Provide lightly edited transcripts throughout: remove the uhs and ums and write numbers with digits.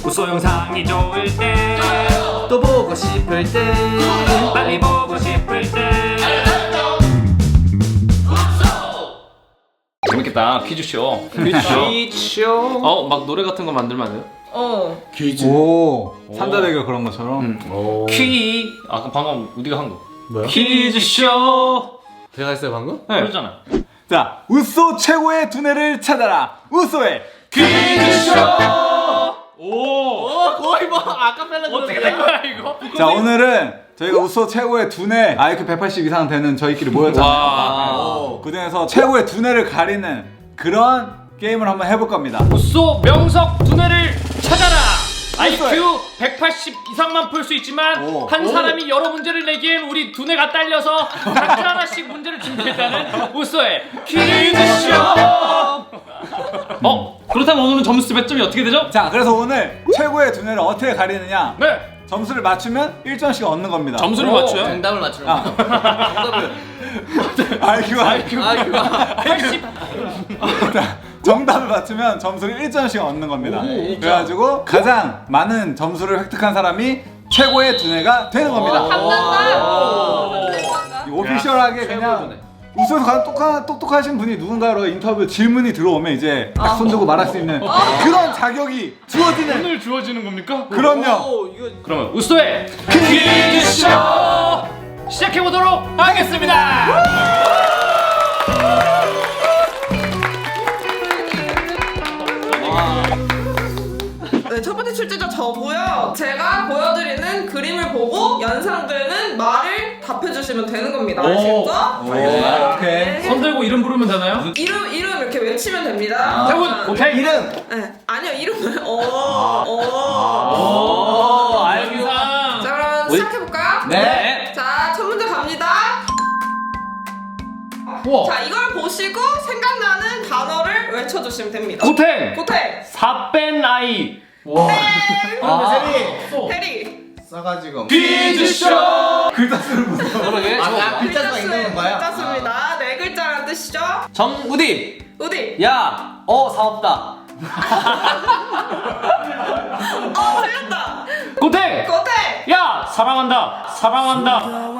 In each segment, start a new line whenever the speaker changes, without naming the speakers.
우소 영상이 좋을 때
또 보고 싶을 때
빨리 보고 싶을 때
재밌겠다. 퀴즈쇼.
퀴즈쇼.
막 노래 같은 거 만들면 안 돼요?
퀴즈.
오 산다대교 그런 것처럼.
퀴. 아까 방금 우리가 한 거.
뭐야?
퀴즈쇼.
제가 했어요 방금?
네.
그러잖아.
자 우소 최고의 두뇌를 찾아라. 우소의
퀴즈쇼. 오.
거의 뭐 아카펠라
어떻게 된 거야 이거?
자 오늘은 저희가 우소 최고의 두뇌 IQ 180 이상 되는 저희끼리 모였잖아요.
와.
그 중에서 최고의 두뇌를 가리는 그런 게임을 한번 해볼 겁니다.
우소 명석 두뇌를 찾아라. IQ
우소의.
180 이상만 풀 수 있지만
오.
한 사람이 여러 문제를 내기엔 우리 두뇌가 딸려서 각자 하나씩 문제를 준비했다는 우소의 퀴즈쇼. 그렇다면 오늘은 점수 몇 점이 어떻게 되죠?
자 그래서 오늘 최고의 두뇌를 어떻게 가리느냐.
네.
점수를 맞추면 1점씩 얻는 겁니다.
점수를 맞춰요?
정답을 맞추는
아.
거. 정답을.
IQ가
80.
정답을 맞추면 점수를 1점씩 얻는 겁니다. 그래가지고 가장 많은 점수를 획득한 사람이 최고의 두뇌가 되는 겁니다. 이 오피셜하게 그냥 우선 가장 똑똑하신 분이 누군가로 인터뷰 질문이 들어오면 이제 딱 손들고 말할 수 있는 그런 자격이 주어지는.
오늘 주어지는 겁니까?
그럼요.
그러면 우소의 퀴즈쇼 시작해보도록 하겠습니다.
네, 첫 번째 출제자 저고요. 제가 보여드리는 그림을 보고 연상되는 말을 답해주시면 되는 겁니다. 아시겠죠?
오케이.
손 들고 이름 부르면 되나요?
이름 이렇게 외치면 됩니다.
태훈 오케이.
이름.
네, 아니요 이름을.
알기상.
자 그럼 시작해볼까요?
네.
자, 첫 문제 갑니다.
우와.
자, 이걸 보시고 생각나는 단어를 외쳐주시면 됩니다.
고탱.
고태,
사뺀 아이.
해리.
싸가지고.
퀴즈쇼.
글자 쓰는 무슨.
그러게. 글자 수가 있는 건가요?
글자습니다. 네 글자란 뜻이죠.
정우디.
우디.
야. 사업다.
틀렸다.
고탱.
고태.
야 사랑한다. 사랑한다.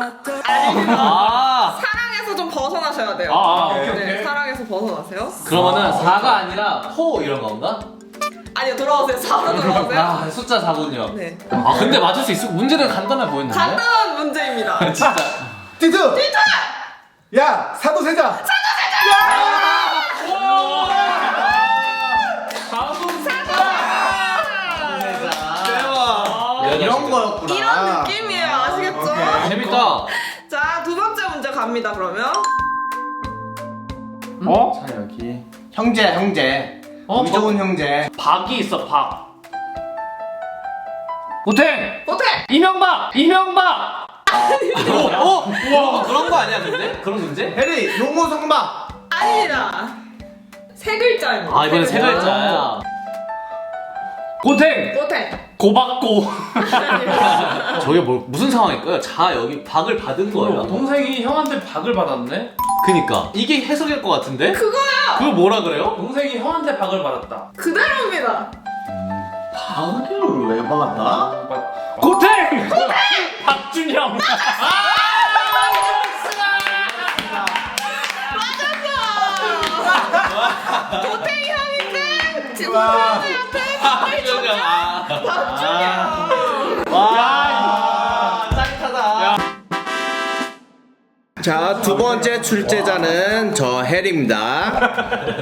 사랑에서 좀 벗어나셔야 돼요. 네, 사랑에서 벗어나세요.
그러면은 4가 아니라 포 이런 건가?
아니요, 돌아오세요. 4로 돌아오세요.
숫자 4군요.
네.
근데 맞을 수 있어. 문제는 간단해 보였는데.
간단한 문제입니다.
진짜.
티트. 야 사도세자.
이런 거였구나.
이런 느낌이에요. 아시겠죠?
재밌다.
자, 두 번째 문제 갑니다, 그러면.
자 여기 형제. 좋은 형제.
박이 있어 박. 고탱.
고태!
이명박.
그런 거 아니야 근데? 그런 문제? 해리 용호 성박.
아닙니다. 세 글자입니다.
이번엔 세 글자야.
고탱.
고태.
고박고.
저게 무슨 상황일까요? 여기 박을 받은 거예요.
동생이 형한테 박을 받았네.
그니까 이게 해석일 것 같은데?
그거야!
그걸 뭐라 그래요?
동생이 형한테 박을 받았다.
그대로입니다.
박을 왜 받았다?
고탱. 박준영.
고태이 형인데, 지금 고태이한테 박을 줬다? 박준영.
짜릿하다. 자, 두 번째 출제자는 저 해리입니다.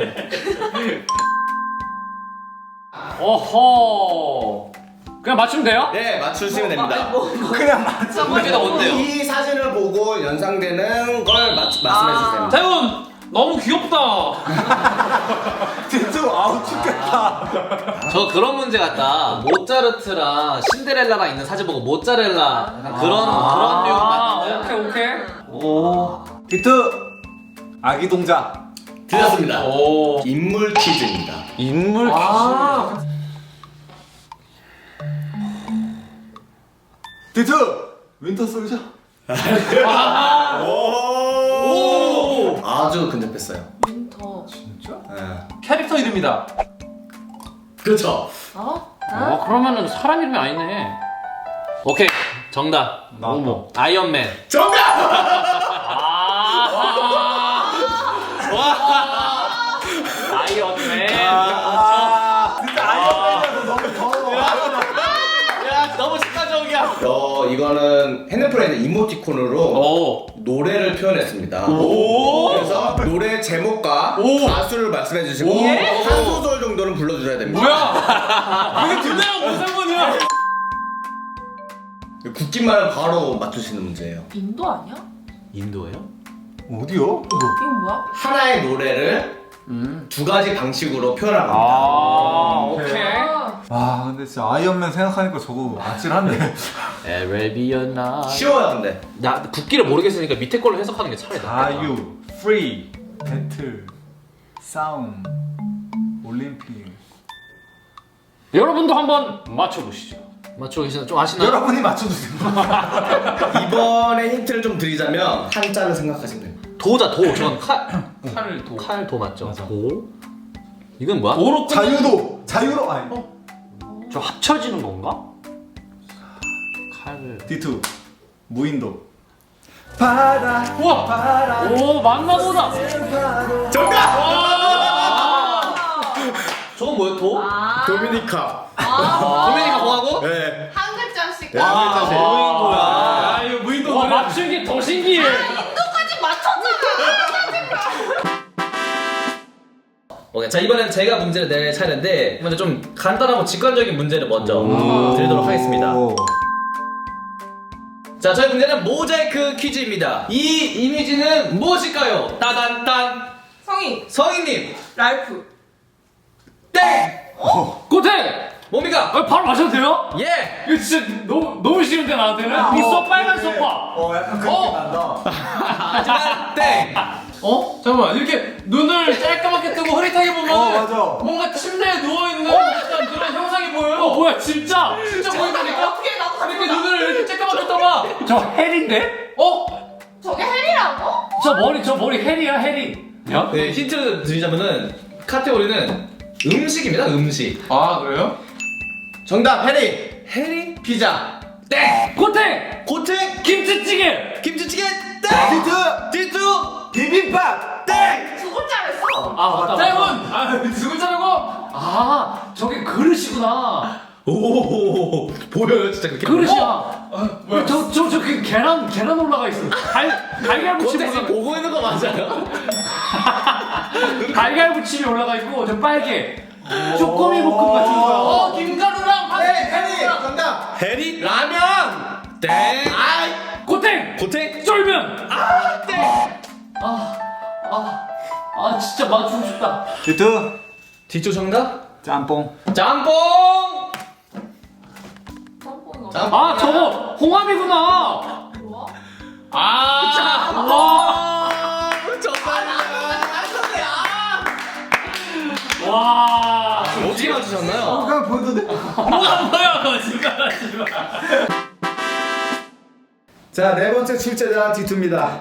어허. 그냥 맞추면 돼요?
네, 맞추시면 됩니다.
그냥 맞춰.
문제가 뭔데요? 이 사진을 보고 연상되는 걸 말씀해 주세요.
태훈 너무 귀엽다.
진짜 아우 죽겠다.
저 그런 문제 같다. 모차르트랑 신데렐라랑 있는 사진 보고 모짜렐라 약간 그런 류가 맞는데.
오케이.
오.
디트 아기 동자.
틀렸습니다.
오.
인물 퀴즈입니다.
인물 퀴즈.
디트 윈터 솔저.
아주 근접했어요.
윈터.
진짜?
캐릭터 이름이다.
그렇죠.
그러면은 사람 이름이 아니네.
오케이 정답.
어머.
아이언맨.
아이언맨.
진짜 아이언맨이라서 너무 더워.
야 너무 직관적이야.
이거는 핸드폰에 있는 이모티콘으로 노래를 표현했습니다. 그래서 노래 제목과 가수를 말씀해 주시고 한 소절 정도는 불러주셔야 됩니다.
뭐야? 이게 둘다가 무슨 상관이야?
국기만 바로 맞추시는 문제예요.
인도 아니야?
인도예요?
어디요?
이건 뭐야?
하나의 노래를 두 가지 방식으로 표현한 겁니다.
오케이.
아 근데 진짜 아이언맨 생각하니까 저거 아찔한데.
에레비언나.
쉬워요, 근데.
나 국기를 모르겠으니까 밑에 걸로 해석하는 게 차라리 낫겠다.
자유, 프리, 배틀, 싸움, 올림픽.
여러분도 한번 맞춰보시죠.
맞추고 계시나? 좀 아시나요?
여러분이 맞춰주세요.
이번에 힌트를 좀 드리자면 한자를 생각하시면 됩니다.
도자 도. 저건
칼을 도.
칼도 맞죠?
맞아.
도. 이건 뭐야?
도로 끝.
자유도, 자유로 아니.
저 합쳐지는 건가?
칼을.
D2 무인도. 바다.
우와.
바다.
오 맞나 보다.
저건 뭐야? 도?
도미니카.
도미니카 공화국?
네.
한 글자씩.
한 글자씩.
무인도야.
이거 무인도. 와 맞춘 게 더 신기해.
인도까지 맞췄잖아.
오케이. 자 이번엔 제가 문제를 낼 차례인데 먼저 좀 간단하고 직관적인 문제를 먼저 드리도록 하겠습니다.
오.
자 저희 문제는 모자이크 퀴즈입니다. 이 이미지는 무엇일까요? 따단딴.
성희,
성희님
랄프.
땡!
고태.
뭡니까?
바로 맞춰도 돼요?
예!
이거 진짜 너무 쉬운데 나한테는. 있어 빨간 소파.
약간 그렇게 난다.
하지만 땡!
잠깐만 이렇게 눈을 짤까맣게 뜨고 흐릿하게 보면
맞아.
뭔가 침대에 누워있는 약간 그런 형상이 보여요. 뭐야 진짜 보인다니까?
어떻게 나도
이렇게 눈을 이렇게 짤까맣게 떠봐. 저 헬인데?
저게 헬이라고?
저 머리 헬이야 헬이. 야?
네, 힌트를 드리자면은 카테고리는 음식입니다. 음식.
아 그래요?
정답, 해리.
해리?
피자.
땡!
고탱!
고택.
김치찌개!
김치찌개. 땡!
D2
디투.
비빔밥.
땡!
두 글자랬어.
맞다 땡은! 두 글자라고? 저게 그릇이구나.
오, 보여요, 진짜 그렇게.
그릇이야. 뭐야? 그 계란 올라가 있어. 달걀무침
고택이
올라가.
보고 있는 거 맞아요?
달걀무침이 올라가 있고 저 빨개. 쪼꼬미 볶음 같은 거. 김가루랑
해리. 정답.
해리? 라면! 땡!
아이.
고탱!
고택?
쫄면!
땡!
진짜 맞추고 싶다.
D2
뒤쪽 정답?
짬뽕.
짬뽕!
짬뽕이가
저거 홍합이구나.
뭐야? 와.
어떻게 맞추셨나요?
그냥 보여도 돼?
뭐야 거짓말하지 마.
자, 네 번째 출제자 D2입니다.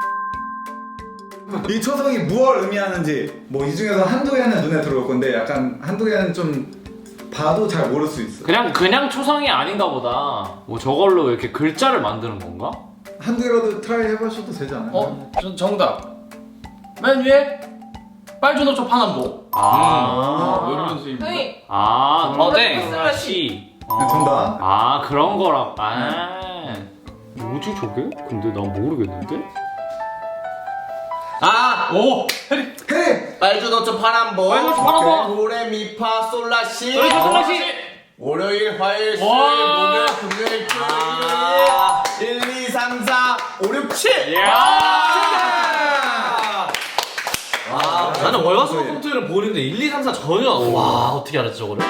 이 초성이 무엇을 의미하는지 뭐 이 중에서 한두 개는 눈에 들어올 건데 약간 한두 개는 좀 봐도 잘 모를 수 있어.
그냥 초성이 아닌가 보다. 뭐 저걸로 이렇게 글자를 만드는 건가?
한두 개라도 트라이 해보셔도 되지 않아요?
정답. 맨 위에 빨주노초 파남보.
형이
땡!
슬래시.
정답.
그런 거라. 뭐지 저게? 근데 난 모르겠는데?
헤이!
빨주노초 파남보.
빨주노초 파남보.
도레미파 솔라시.
슬래시.
월요일, 화요일, 수요일,
와.
목요일, 금요일, 토요일, 1, 2, 3, 4, 5, 6, 7.
나는 월화수목 컴퓨터를 보는데 1, 2, 3, 4 전혀. 와, 어떻게 알았지 저거를?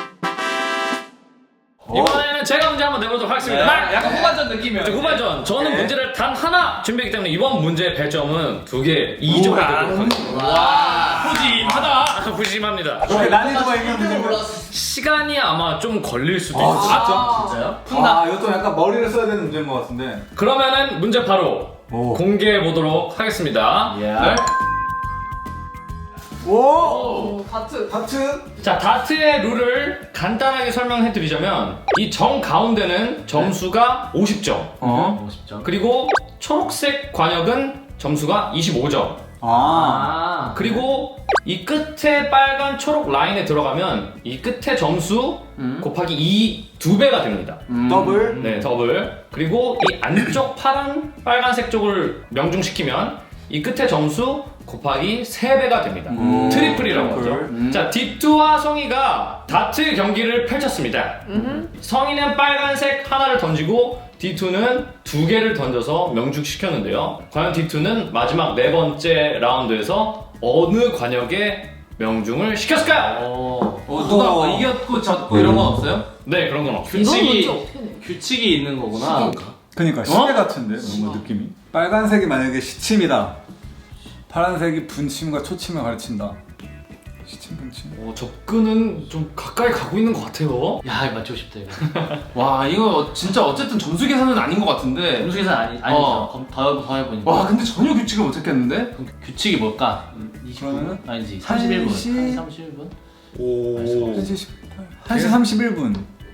이번에는 제가 문제 한번 내보도록 하겠습니다.
약간 후반전 느낌이야.
후반전. 저는 문제를 단 하나 준비했기 때문에 이번 문제의 배점은 2개, 2점을 드리도록 하겠습니다. 푸짐하다. 푸짐합니다.
난이도가 있는 문제인가?
시간이 아마 좀 걸릴 수도 있어요.
진짜요?
푼다. 이것도 약간 머리를 써야 되는 문제인 것 같은데.
그러면은 문제 바로 공개해 보도록 하겠습니다. 네.
오!
다트.
하트?
자, 다트의 룰을 간단하게 설명해 드리자면 이 정 가운데는 점수가 50점.
50점.
그리고 초록색 관역은 점수가 25점.
아.
그리고 이 끝에 빨간 초록 라인에 들어가면 이 끝에 점수 곱하기 2배가 됩니다.
더블?
네, 더블. 그리고 이 안쪽 파란 빨간색 쪽을 명중시키면 이 끝에 점수 곱하기 3배가 됩니다. 트리플이라고 하죠. 자, 디투와 성희가 다트 경기를 펼쳤습니다. 성희는 빨간색 하나를 던지고 D2는 2개를 던져서 명중시켰는데요. 과연 D2는 마지막 4번째 라운드에서 어느 관역에 명중을 시켰을까요?
누가 이겼고 졌고 이런 건 없어요?
네, 그런 건 없어요.
규칙이 있는 거구나.
그니까 시계 같은데 뭔가 느낌이. 빨간색이 만약에 시침이다. 파란색이 분침과 초침을 가르친다. 시침 분침.
접근은 좀 가까이 가고 있는 것 같아요.
야, 이거 맞추고 싶다 이거.
와 이거 진짜 어쨌든 점수 계산은 아닌 것 같은데.
점수 계산 아니죠. 더 해보니까.
와 근데 전혀 규칙을 못 찾겠는데?
그럼 규칙이 뭘까? 29분?
그러면은
아니지 31분.
1시
31분?
오.
1시 31분.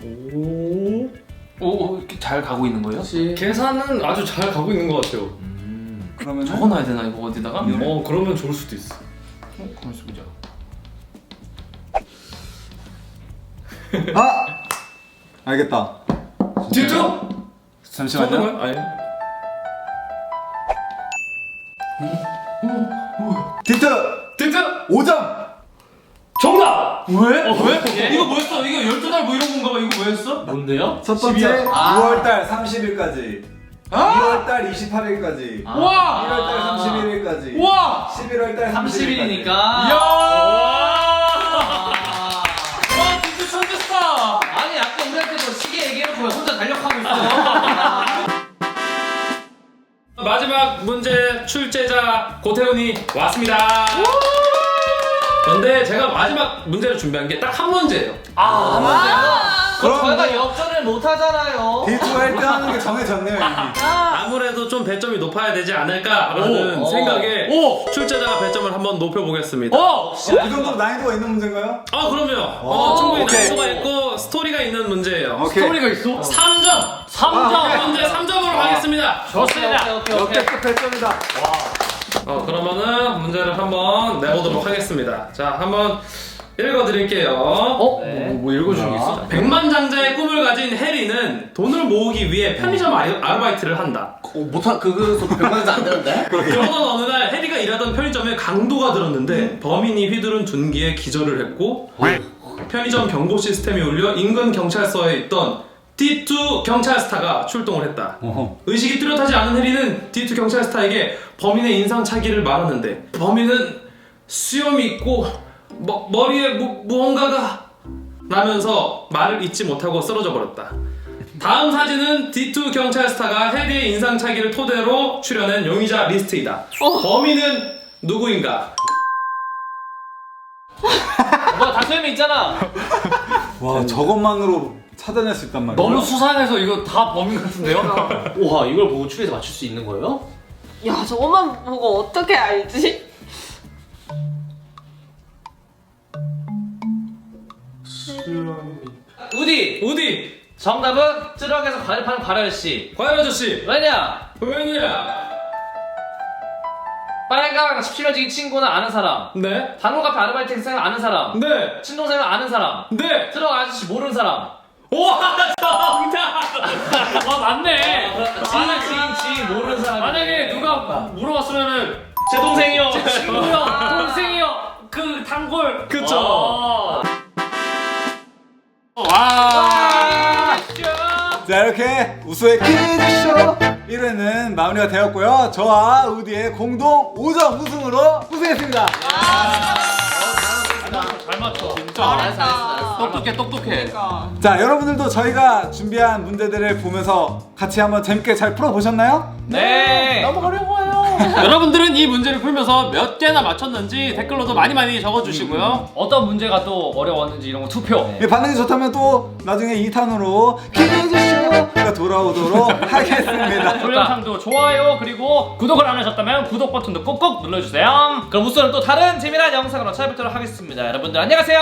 오 이렇게 잘 가고 있는 거예요?
계산은 아주 잘 가고 있는 것 같아요.
그러면
적어놔야 되나 이거 어디다가?
그러면 좋을 수도 있어.
가만 있어보자.
아! 알겠다.
D2?
잠시만요.
아니.
디트
D2!
5점.
정답!
왜? 왜? 이거 뭐였어? 이거 12달 뭐 이런 건가 봐. 이거 왜 했어?
뭔데요?
첫 번째 6월달 30일까지.
아!
2월달 28일까지.
와!
1월달 31일까지.
와!
11월달 30일이니까.
이야!
와,
와 진짜 천재스타!
아니 아까 우리한테도 시계 얘기해놓고 왜 혼자 달력하고 있어?
마지막 문제 출제자 고태훈이 왔습니다. 그런데 제가 마지막 문제를 준비한 게 딱 한 문제예요.
그럼 저희가 역전을 못 하잖아요.
디트가 1등 하는 게 정해졌네요, 이미.
아무래도 좀 배점이 높아야 되지 않을까라는 생각에 출제자가 배점을 한번 높여보겠습니다.
이 정도로 난이도가 있는 문제인가요?
그럼요. 충분히
오케이.
난이도가 있고 스토리가 있는 문제예요.
오케이.
스토리가 있어?
3점! 3점! 현재 3점으로 가겠습니다.
좋습니다. 오케이.
역대급 배점이다.
그러면은 문제를 한번 내보도록 하겠습니다. 자, 한번 읽어드릴게요.
뭐 읽어주는 게 있어?
백만장자의 꿈을 가진 해리는 돈을 모으기 위해 편의점 아르바이트를 한다.
못한 그거 병만자 안 되는데?
그러던 어느 날 해리가 일하던 편의점에 강도가 들었는데 범인이 휘두른 둔기에 기절을 했고 편의점 경보 시스템이 울려 인근 경찰서에 있던 D2 경찰스타가 출동을 했다. 의식이 뚜렷하지 않은 해리는 D2 경찰스타에게 범인의 인상착의를 말하는데 범인은 수염이 있고 머리에 무언가가 라면서 말을 잇지 못하고 쓰러져 버렸다. 다음 사진은 D2 경찰스타가 해리의 인상착의를 토대로 출연한 용의자 리스트이다. 범인은 누구인가?
뭐 다소연이 있잖아.
와, 저것만으로 찾아낼 수 있단 말이야.
너무 수상해서 이거 다 범인 같은데요?
우와, 이걸 보고 추리해서 맞출 수 있는 거예요?
야, 저것만 보고 어떻게 알지?
우디. 정답은 쯔럭에서 과일 파는 과일 아저씨.
과연 아저씨
왜냐?
왜냐?
빨강 17년지기 친구는 아는 사람.
네?
단호 카페 아르바이트 학생 아는 사람.
네?
친동생은 아는 사람.
네?
쯔럭 아저씨 모르는 사람.
와 정답! 와 맞네.
지인 모르는 사람.
만약에 누가 물어봤으면은
제 동생이요.
제 친구요, 동생이요, 그 단골. 그쵸. 와.
자, 이렇게 우수의 퀴즈쇼 1회는 마무리가 되었고요. 저와 우디의 공동 5점 우승으로 우승했습니다.
잘 맞춰.
잘했어.
똑똑해.
자, 여러분들도 저희가 준비한 문제들을 보면서 같이 한번 재밌게 잘 풀어보셨나요?
네.
너무 어려워요.
여러분들은 이 문제를 풀면서 몇 개나 맞췄는지 댓글로도 많이 적어주시고요.
어떤 문제가 또 어려웠는지 이런 거 투표.
반응이 좋다면 또 나중에 2탄으로 기대해주쇼가 돌아오도록 하겠습니다.
동영상도 좋아요 그리고 구독을 안 하셨다면 구독 버튼도 꾹꾹 눌러주세요.
그럼 우선은 또 다른 재미난 영상으로 찾아뵙도록 하겠습니다. 여러분들 안녕하세요.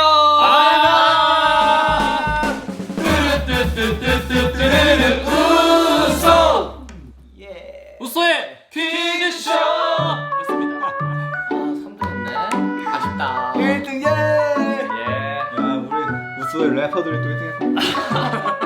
우소의 퀴즈쇼 였습니다.
3등했네. 아쉽다.
1등 예! 야 우리 우수의 래퍼들이 또 1등 했고